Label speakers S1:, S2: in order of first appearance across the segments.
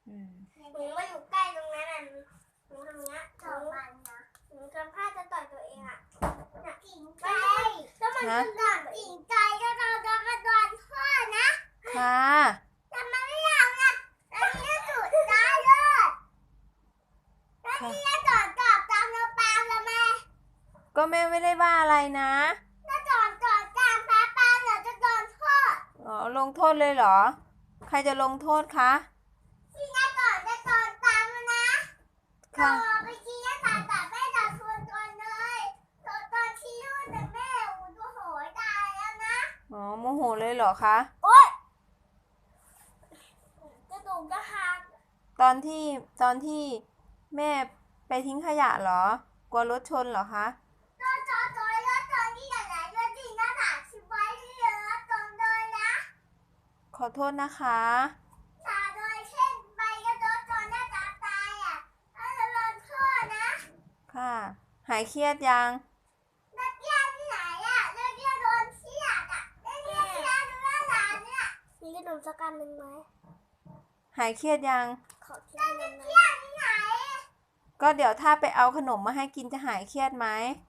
S1: หนูมาอยู่ใกล้ตรงนั้นอ่ะหนูทำเงี้ยหนูทำท่าจะต่อยตัวเองอ่ะกิ่งไก่แล้วมันขึ้นก่อนกิ่งไก่ก็เราจะกระโดดพ่อนะ
S2: ค่ะ
S1: ทำไมไม่ทำนะแล้วนี่ก็สุดได้เลยแล้วนี่ก็จอดตามเราปามแล้วแม่
S2: ก็แม่ไม่ได้ว่าอะไรนะ
S1: ถ้าจอดตามปามเราจะโดนโทษ
S2: อ๋อลงโทษเลยเหรอใครจะลงโทษคะ
S1: ที่จะจอดตามนะ
S2: ค่ะ
S1: ไปชี้จะตัดแม่จะชวนก่อนเลยตอนชี้นู่นแต่แม่ตัวโหยตายแล้วนะ
S2: อ๋อโมโหเลยเหรอคะ
S1: โอ๊ยกระดูกก็หัก
S2: ตอนที่แม่ไปทิ้งขยะเหรอกลัวรถชนเหรอคะขอโทษนะคะค่ะหายเครียดยัง
S1: มีขนมสักอันหนึ่งไหม
S2: หายเครียดยัง
S1: ขอเที่ยวหนึ่งไหม
S2: ก็เดี๋ยวถ้าไปเอาขนมมาให้กินจะหายเครียดไหม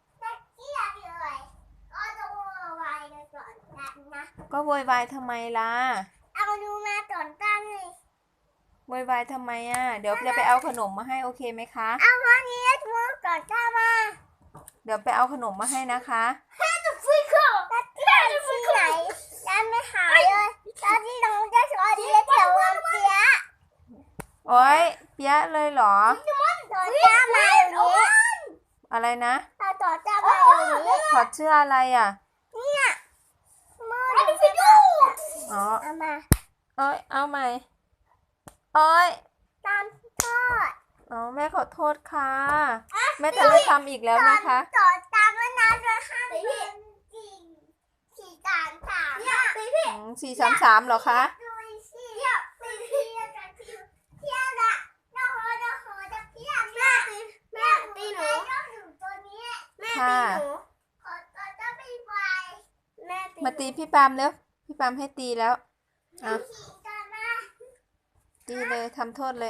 S2: ก็โวยวายทำไมล่ะ
S1: เอาดูมาตอนตั้งเลย
S2: โวยวายทำไมอ่ะเดี๋ยวจะไปเอาขนมมาให้โอเคไหมคะ
S1: เอาวันนี้ทุกก่อนตั้งมา
S2: เดี๋ยวไปเอาขนมมาให้นะคะ
S1: ฟิกเกอร์ที่ไหนยังไม่หายเลยตอนที่น้องจะสอนเรียนแถวเปีย
S2: โอ๊ยเปียะเลยเหรอ
S1: ต่อจ้ามาอยู่นี้
S2: อะไรนะ
S1: ต่อจ้ามาอยู่นี้
S2: ถอดเสื้ออะไรอ่ะ
S1: เนี่ยมือ
S2: อ๋อ
S1: เอามา
S2: โอ๊ยเอาใหม่โอ๊ย
S1: ตามทอด
S2: อ๋อแม่ขอโทษค่ะแม่จะไม่ทำอีกแล้วนะคะ
S1: ต่อตามแล้วนะจะห้ามเป็นจริง433เนี่ย
S2: 433เหรอคะ
S1: ดูสิเนี่ยเที่ยวละน้องโหจะเที่ยวแม่ตีหนูตัวนี้แม่ตีหนูขอจะไปแม่
S2: มาตีพี่ปามเร็วพี่ปามให้ตีแล้วตีเลยทำโทษเลย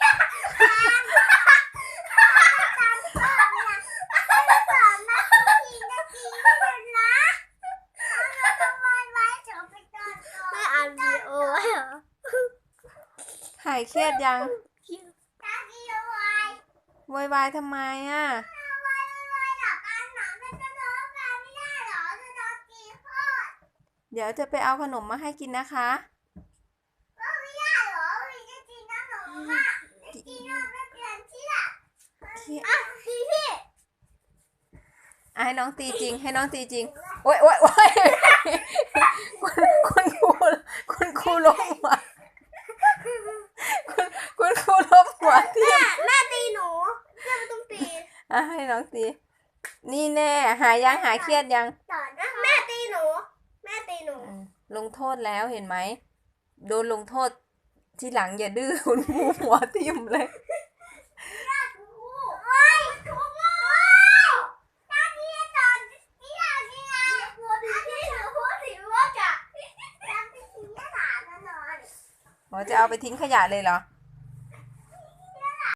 S2: หายเครียดยังโวยวายทำไมอ่ะเดี๋ยวจะไปเอาขนมมาให้กินนะคะให้น้องตีจริงให้น้องตีจริงโอ๊ยคุณครูล้มหัวคุณครูล้มหัวที่
S1: แม่ตีหนูแม่ไม่ต้องตี
S2: ให้น้องตีนี่แน่หายเครียดยัง
S1: แม่ตีหนู
S2: ลงโทษแล้วเห็นไหมโดนลงโทษทีหลังอย่าดื้อคุณครูหัวทิ่มเลยจะเอาไปทิ้งขยะเลยเหรอ